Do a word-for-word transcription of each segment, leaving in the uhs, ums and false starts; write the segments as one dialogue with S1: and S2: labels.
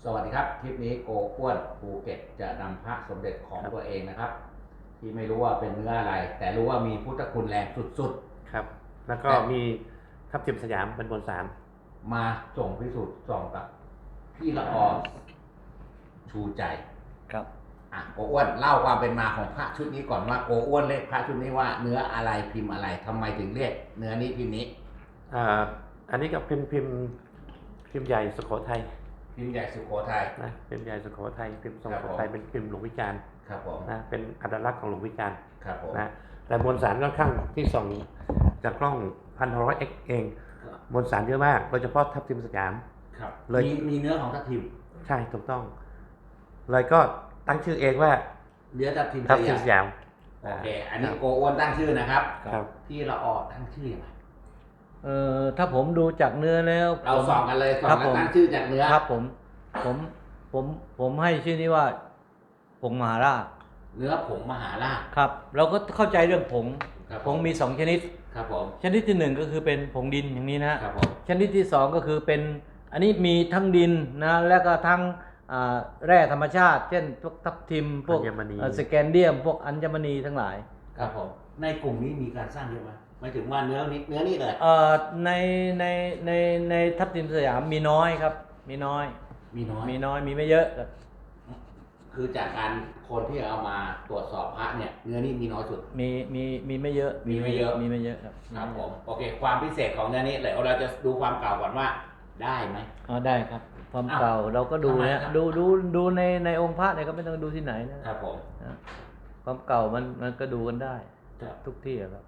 S1: สวัสดีครับคลิปนี้โกอ้วนภูเก็ตจะนำพระสมเด็จของตัวเองนะครับ ที่ไม่รู้ว่าเป็นเนื้ออะไร แต่รู้ว่ามีพุทธคุณแรงสุด
S2: ๆครับแล้วก็มีทับทิมสยามเป็นบนสาร
S1: มาส่งพิสูจน์ส่องกับพี่ละออชูใจ
S3: ครับ
S1: อ่ะโกอ้วนเล่าความเป็นมาของพระชุดนี้ก่อนว่าโกอ้วนเรียกพระชุดนี้ว่าเนื้ออะไรพิมพ์อะไรทำไมถึงเรียกเนื้อนี้พิมพ์นี้
S2: อ่าอันนี้ก็พิมพ์พิมพ์พิมพ์ใหญ่สุโขทัย
S1: พิมพ์ใหญ่สุโขทัย
S2: นะพิมพ์ใหญ่สุโขทัยพิมพ์ทรงสุโขทัยเป็นพิมพ์หลวงวิจารณ์
S1: ครับผม
S2: นะเป็นอัตลักษณ์ของหลวงวิจารณ์
S1: ครับผม
S2: นะแต่มวลสารค่อนข้างที่ส่องจากกล้องพันหกร้อยเอ็กเองมวลสารเยอะมากโดยเฉพาะทับทิมสยาม
S1: ครับเลยมีเนื้อของทับทิม
S2: ใช่ถูกต้องเลยก็ตั้งชื่อเองว่า
S1: เนื้อทับทิม
S2: ทับทิมสยาม
S1: โอเคอันนี้โกอ้วนตั้งชื่อนะครับ
S2: ครับ
S1: พี่ละออตั้งชื่อยังไง
S3: เอ่อถ้าผมดูจากเนื้อแล้ว
S1: เราส่องกันเลยส่องแล้วตั้งชื่อจากเนื้อ
S3: ครับผมผมผมผมให้ชื่อนี้ว่าผงมหาราช
S1: เนื้อผงมหาราช
S3: ครับเราก็เข้าใจเรื่องผงผงมีสองชนิด
S1: ครับผม
S3: ชนิดที่หนึ่งก็คือเป็นผงดินอย่างนี้นะครับ
S1: ผม
S3: ชนิดที่สองก็คือเป็นอันนี้มีทั้งดินนะแล้วก็ทั้งแร่ธรรมชาติเช่นพวกทับทิมพวกสแกนเดียมพวกอัญมณีทั้งหลาย
S1: ครับผมในกลุ่มนี้มีการสร้างเยอะไหมหมายถึงว่าเนื้อนี้เนื้อนี่เลย
S3: เอ่อในในในในทับทิมสยามมีน้อยครับมีน้อย
S1: มีน้อย
S3: มีน้อยมีไม่เยอะ
S1: คือจากการคนที่เอามาตรวจสอบพระเนี่ยเนื้อนี่มีน้อยสุด
S3: มีมีมีไม่เยอะ
S1: มีไม่เยอะ
S3: มีไม่เยอะครับ
S1: ครับผมโอเคความพิเศษของเนื้อนี้เดี๋ยวเราจะดูความเก่าก่อนว่าได้ไหม
S3: อ๋อได้ครับความเก่าเราก็ดูนะดูดูดูในในองค์พระเนี่ยก็ไม่ต้องดูที่ไหนนะครับ
S1: ผม
S3: ความเก่ามันมันก็ดูกันได้ทุกที่ครับ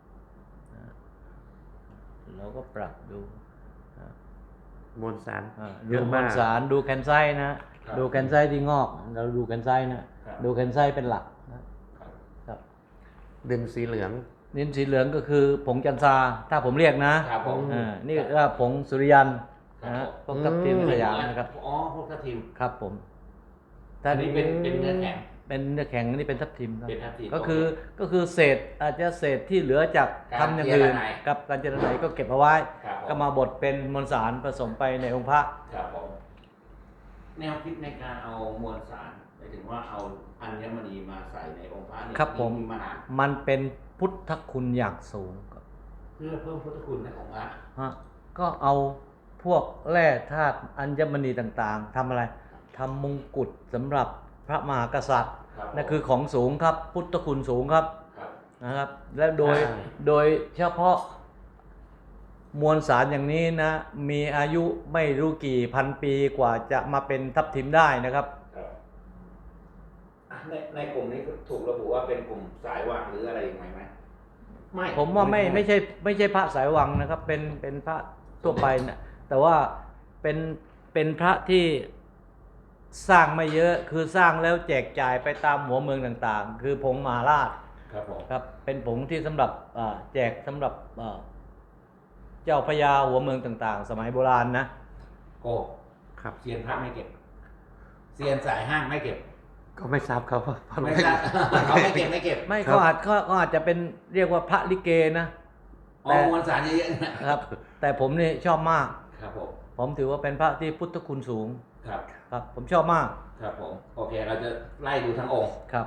S3: เราก็ปรับดู
S2: มวลสาร
S3: ดูมวลสารดูแคนไซต์นะดูแคนไซต์ที่งอกเราดูแคนไซต์นะดูแคนไซต์เป็นหลักนะครับ
S2: ดินสีเหลือง
S3: ดินสีเหลืองก็คือผงจันทราถ้าผมเรียกนะอ่านี่ก็ผงสุริยันนะพวกทับทิมสยามนะครับ
S1: อ๋อพวกทับทิม
S3: ครับผม
S1: ถ้านี้เป็นเป็นเนื้อแข็ง
S3: เป็นเนื้อแข็งนี่เป็นทับทิมครับ
S1: เป็นทับทิม
S3: ก็คือก็คือเศษอาจจะเศษที่เหลือจากทำอย่างอื่นกับการเจริญไหนก็เก็บเอาไว้ก็มาบดเป็นมวลสารผสมไปในองค์พระ
S1: ครับผมแนวคิดในการเอามวลสารหมายถึงว่าเอาอัญมณีมาใส่ในองค์พระนี่
S3: ครับผมมันเป็นพุทธคุณอย่างสูง
S1: เพื่อเพิ่มพุทธคุณในองค์พระ
S3: ฮะก็เอาพวกแร่ธาตุอัญมณีต่างๆทำอะไรทำมงกุฎสำหรับพระมหากษัตริย์นั่นคือของสูงครับพุทธคุณสูงครับนะครับและโดยโดยเฉพาะมวลสารอย่างนี้นะมีอายุไม่รู้กี่พันปีกว่าจะมาเป็นทับทิมได้นะครับ
S1: ในในกลุ่มนี้ถูกระบุว่าเป็นกลุ่มสายวังหรืออะไรยังไงไหม
S3: ไม่ผมว่าไม่ไม่ใช่ไม่ใช่พระสายวังนะครับเป็นเป็นพระทั่วไปนะแต่ว่าเป็นเป็นพระที่สร้างไม่เยอะคือสร้างแล้วแจกจ่ายไปตามหัวเมืองต่างๆคือผงมหาราช
S1: ครับผม
S3: ครับเป็นผงที่สำหรับแจกสำหรับเจ้าพญาหัวเมืองต่างๆสมัยโบราณนะ
S1: โก้ครับเซียนพระไม่เก็บเซียนสายห้างไม่เก็บ
S2: ก็ไม่ทราบเขา
S1: ไม่ทราบเขาไม่เก็บไม่เก็บ
S3: ไม่เขาอาจเขาอาจจะเป็นเรียกว่าพระลิเกนะ
S1: แต่มวลสารเยอะๆ
S3: นะครับแต่ผมนี่ชอบมาก
S1: ครับผม
S3: ผมถือว่าเป็นพระที่พุทธคุณสูง
S1: ครับ
S3: ครับผมชอบมาก
S1: ครับผมโอเคเราจะไล่ดูทั้งองค์
S3: ครับ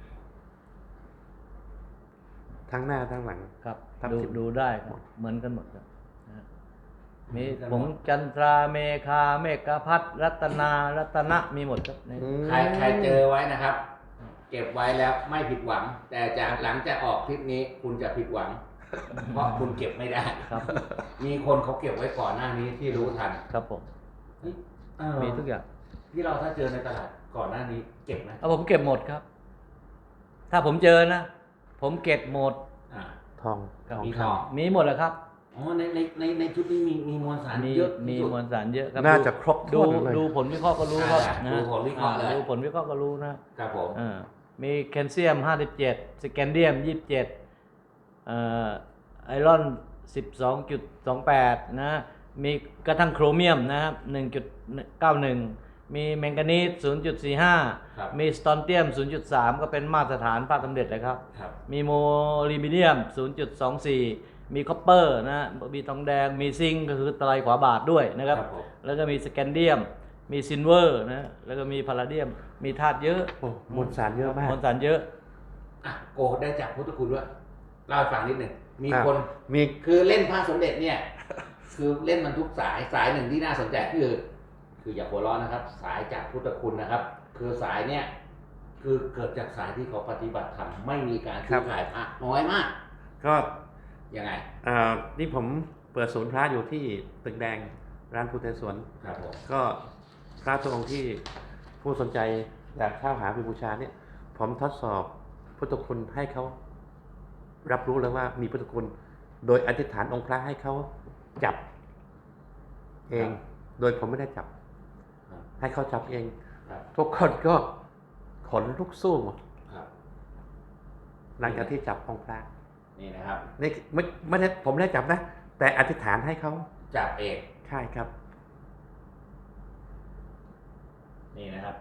S2: ทั้งหน้าทั้งหลัง
S3: ครับดูดูได้เหมือนกันหมดครับมีผงจันทราเมฆาเมฆพัทรัตนารัตนะมีหมดครับ
S1: ใครใครเจอไว้นะครับเก็บไว้แล้วไม่ผิดหวังแต่จากหลังจากออกคลิปนี้คุณจะผิดหวังเพราะคุณเก็บไม่ได้
S3: ครับ
S1: มีคนเขาเก็บไว้ก่อนหน้านี้ที่รู้ทัน
S3: ครับผมมีทุกอย่าง
S1: ที่เราถ้าเจอในตลาดก่อนหน้านี้เก็บไหม
S3: เอาผมเก็บหมดครับถ้าผมเจอนะผมเก็บหมด
S2: ทอง
S1: มีทอง
S3: มีหมดแล้วครับ
S1: อ๋อในในในในชุดนี้มีมีมวลสารเยอะ
S3: มีมวลสารเยอะครับ
S2: น่าจะครบ
S3: ดูดูผลวิเคราะห์ก็รู้ครับ
S1: ดูผลวิเคราะห์เลย
S3: ดูผลวิเคราะห์ก็รู้นะครับ
S1: ผม
S3: มีแคลเซียมห้าสิบเจ็ดสแกนเดียมยี่สิบเจ็ดเอ่อไอรอน สิบสองจุดสองแปด นะมีกระทั่งโครเมียมนะครับ หนึ่งจุดเก้าหนึ่ง มีแมงกานีส ศูนย์จุดสี่ห้า มีสตอนเตียม ศูนย์จุดสาม ก็เป็นมาตรฐานพระสมเด็จเลยครับมีโมลิเบียม ศูนย์จุดสองสี่ มีคอปเปอร์นะมีทองแดงมีซิงค์ก็คือตะไลขวาบาทด้วยนะครับแล้วก็มีสแกนเดียมมีซิลเวอร์นะแล้วก็มีพาราเดียมมีธาตุเยอะ
S2: โอ้มวลสารเยอะมาก
S3: มวลสารเยอะ
S1: อ่ะโกได้จากพุทธคุณด้วยเล่าให้ฟังนิดหนึ่งมี
S2: ครับ
S1: คน
S2: มี
S1: คือเล่นพระสมเด็จเนี่ย คือเล่นมันทุกสายสายหนึ่งที่น่าสนใจคือ คืออย่าหัวเร้อนนะครับ สายจากพุทธคุณนะครับ คือสายเนี่ยคือเกิดจากสายที่เขาปฏิบัติธรรมไม่มีการซื้อขายพระน้อยมาก
S2: ก็
S1: ยังไง
S2: เอ่อนี่ผมเปิดศูนย์พระอยู่ที่ตึกแดงร้านพุทธสวน
S1: ครับผม
S2: ก็พระทุกองค์ที่ผู้สนใจอยากเช่าหาไปบูชาเนี่ย ผมทดสอบพุทธคุณให้เขารับรู้แล้วว่ามีพุทธคุณ โดยอธิษฐานองค์พระให้เขาจับเอง โดยผมไม่ได้จับ
S1: ครับ
S2: ให้เขาจับเอง
S1: ครับ
S2: ทุกคนก็ขนลุกสู้หมด
S1: ครับ
S2: หลังจากที่จับองค์พระ
S1: นี่นะครับ
S2: นี่ไม่ไม่ได้ผมไม่ได้จับนะ แต่อธิษฐานให้เขา
S1: จับเอง
S2: ใช่ครับ
S1: นี่นะครับ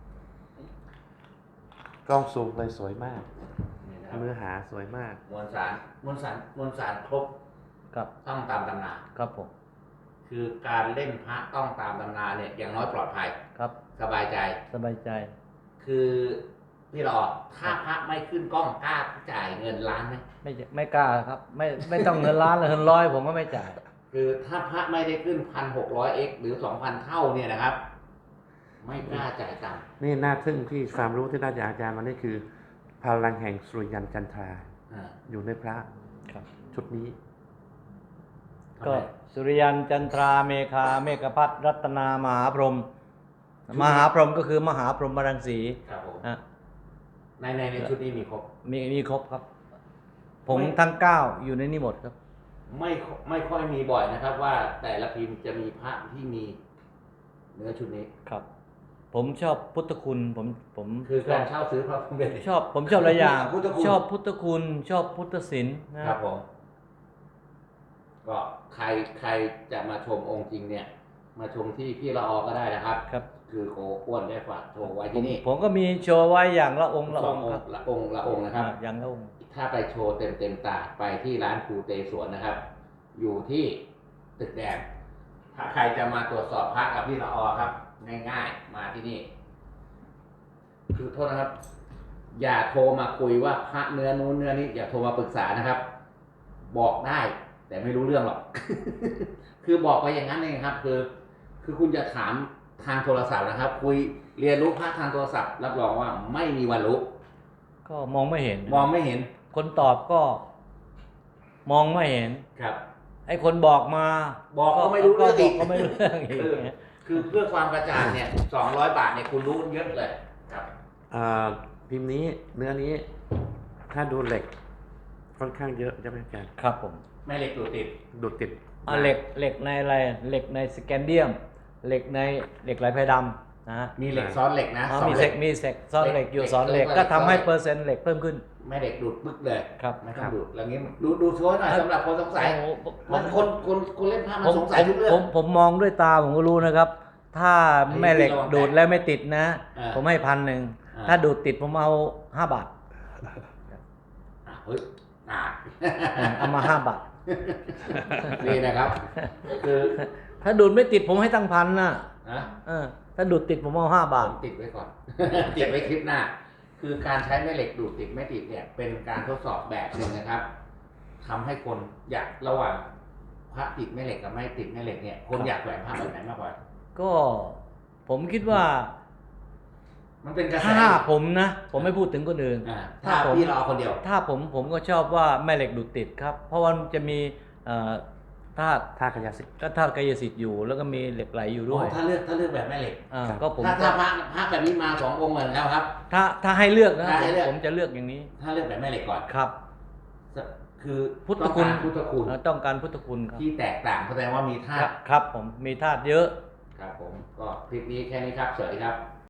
S2: กล้องซูมเลยสวยมาก
S1: นี่นะครับ
S2: เนื้อหาสวยมาก
S1: มวลสารมวลสารมวลสารครบ
S3: ครับ
S1: ต้องตามตำนา
S3: ครับผม
S1: คือการเล่นพระต้องตามตำนาเนี่ยอย่างน้อยปลอดภัย
S3: ครับ
S1: สบายใจ
S3: สบายใจ
S1: คือพี่หลอดถ้าพระไม่ขึ้นกล้องกล้าจ่ายเงินล้านไหม
S3: ไม่ไม่กล้าครับ ไม่ไม่ต้องเงินล้านเลยเงินร้อยผมก็ไม่จ่าย
S1: คือถ้าพระไม่ได้ขึ้นพันหกร้อยเอ็กหรือสองพันเท่าเนี่ยนะครับ ไม่กล้าจ่ายตังค์
S2: นี่น่าทึ่งที่ความรู้ที่ได้จากอาจารย์มานี่คือพลังแห่งสุริยันจันทรา
S1: อ่า
S2: อยู่ในพระ
S3: ครับ
S2: ชุดนี้
S1: ทำ
S3: ก็
S1: ไม
S3: สุริยันจันทราเมฆาเมฆพัทรัตนามหาพรหมมหาพรหมก็คือมหาพรหมรังสี
S1: ครับผม
S3: นะ
S1: ในในในชุดนี้มีครบ
S3: มีมีครบครับ ผมทั้งเก้าอยู่ในนี้หมดครับ
S1: ไม่ไม่ค่อยมีบ่อยนะครับ ว่าแต่ละพิมพ์จะมีพระที่มีเนื้อชุดนี้
S3: ครับ ผมชอบพุทธคุณผมผม
S1: คือการเช่าซื้อพระสมเด็จ
S3: ชอบผมชอบหลายอย่าง
S1: พุทธคุณ
S3: ชอบพุทธคุณ ชอบพุทธศิลป์นะครับ
S1: ผม ก็ใครใครจะมาชมองค์จริงเนี่ย มาชมที่พี่ละออก็ได้นะครับ
S3: ครับ
S1: คือโกอ้วนได้ฝากโชว์ไว้
S3: ผม
S1: ที่นี่
S3: ผมก็มีโชว์ไว้อย่างละองค์ละ
S1: ส
S3: อ
S1: อง
S3: งค์
S1: อง
S3: ครับ
S1: ค์ละองค์ละองค์นะครับ
S3: อ่าอย่างละองค์
S1: ถ้าไปโชว์เต็มเต็มๆตาไปที่ร้านครูเตสวนนะครับ อยู่ที่ตึกแดง ถ้าใครจะมาตรวจสอบพระกับพี่ละออครับ ง่ายๆ มาที่นี่ คือโทษนะครับ อย่าโทรมาคุยว่าพระเนื้อนู้นเนื้อนี้อย่าโทรมาปรึกษานะครับ บอกได้ แต่ไม่รู้เรื่องหรอก คือบอกไปอย่างนั้นเองครับ คือ คือคุณจะถามทางโทรศัพท์นะครับ คุยเรียนรู้พระทางโทรศัพท์ รับรองว่าไม่มีวันรู้
S3: ก็มองไม่เห็น
S1: มองไม่เห็น
S3: คนตอบก็มองไม่เห็น
S1: ครับ
S3: ไอ้คนบอกมา
S1: บอกก็ไม่รู้เรื่องอีก
S3: ก็ไม่รู้เรื่องอีก
S1: คือคือเพื่อความกระจ่างเนี่ยสองร้อยบาทเนี่ยคุณรู้เยอะเลยครับ
S2: อ่าพิมพ์นี้เนื้อนี้ ถ้าดูเหล็กค่อนข้างเยอะใช่ไหมอาจารย์
S3: ครับผม
S1: แม่เหล็กดูดติด
S2: ดูดติด
S3: อ่ะเหล็กเหล็กในอะไรเหล็กในสแกนเดียม เหล็กในเหล็กไหลไพดำนะฮะ
S1: มีเหล็กซ้อนเหล็กนะ
S3: อ๋อ
S1: สอง
S3: มี
S1: เห
S3: เซ
S1: ล็
S3: ก
S1: ก
S3: มีเซกซ่อนเหล็กอยู่
S1: เหล็ก
S3: สอนเหล็ก
S1: เหล็ก
S3: ก็ทำให้
S1: เหล็ก
S3: เปอร์เซ็นต์เหล็กเพิ่มขึ้น
S1: แม่เหล็กดูดปึ๊กเลย
S3: ครับ
S1: ไม่ต้องดูดแล้วงี้ดูดูโชว์หน่อยสำหรับคนสงสัย
S3: โอ้โหผ
S1: มัน
S3: ม
S1: คนคนคนเล่นผ้ามัน
S3: ผม
S1: สงสัยทุกเรื่อ
S3: ผ
S1: ง
S3: มผมมองด้วยตาผมก็รู้นะครับ ถ้าแม่เหล็ก
S1: อันนี้
S3: ดูดแล้วไม่ติดนะ
S1: อ่า
S3: ผมให้พันหนึ่ง
S1: อ่า
S3: ถ้าดูดติดผมเอาห้าบาท
S1: อ่ะเฮ้ยอ่ะ
S3: อ่าเอามาห้าบาท
S1: นี่นะครับ คือ
S3: ถ้าดูดไม่ติดผมให้ตั้งพันนะ
S1: นะ
S3: เออถ้าดูดติดผมเอาห้าบา
S1: ผ
S3: ท
S1: มติดไว้ก่อน ติดไว้คลิปหน้า คือการใช้แม่เหล็กดูดติดไม่ติดเนี่ย เป็นการทดสอบแบบหนึ่งนะครับทำให้คนอยากระหว่างพระติดแม่เหล็กกับไม่ติดแม่เหล็กเนี่ย คนอยากแหวนพระแบบไหนมากกว่า
S3: ก็ผมคิดว่า
S1: มันเป็นกระแส
S3: ถ้าผมนะ ผมไม่พูดถึงคนอื่น
S1: อ่า
S3: ถ้า
S1: ถ้า
S3: ผม
S1: พี่รอคนเดียว
S3: ถ้าผมผมก็ชอบว่าแม่เหล็กดูดติดครับ เพราะว่ามันจะมีเอ่อธาตุ
S2: ท่าขยะสิทธิ์
S3: ก็ธาตุกายสิทธิ์อยู่ แล้วก็มีเหล็กไหลอยู่ด้วย
S1: โอ้ถ้าเลือกถ้าเลือกแบบแม่เหล็ก
S3: อ่า
S2: ครับ
S3: ก็ผม
S1: ถ้าถ้าพระพระแบบนี้มาสององค์เหมือนแล้วครับ
S3: ถ้าถ้าให้เลือกนะ
S1: ถ้าให้เลือก
S3: ผมจะเลือกอย่างนี้
S1: ถ้าเลือกแบบแม่เหล็กก่อน
S3: ครับ
S1: คือ
S3: พุทธคุณ
S1: ต้องการพุทธคุณ
S3: เอ่อต้องการพุทธคุณครับ
S1: ที่แตกต่างแสดงว่ามีธา
S3: ครั
S1: ตุ
S3: บครับผมมีธาตุเยอะ
S1: ครับผมก็คลิปนี้แค่นี้ครับสวัสดีครับ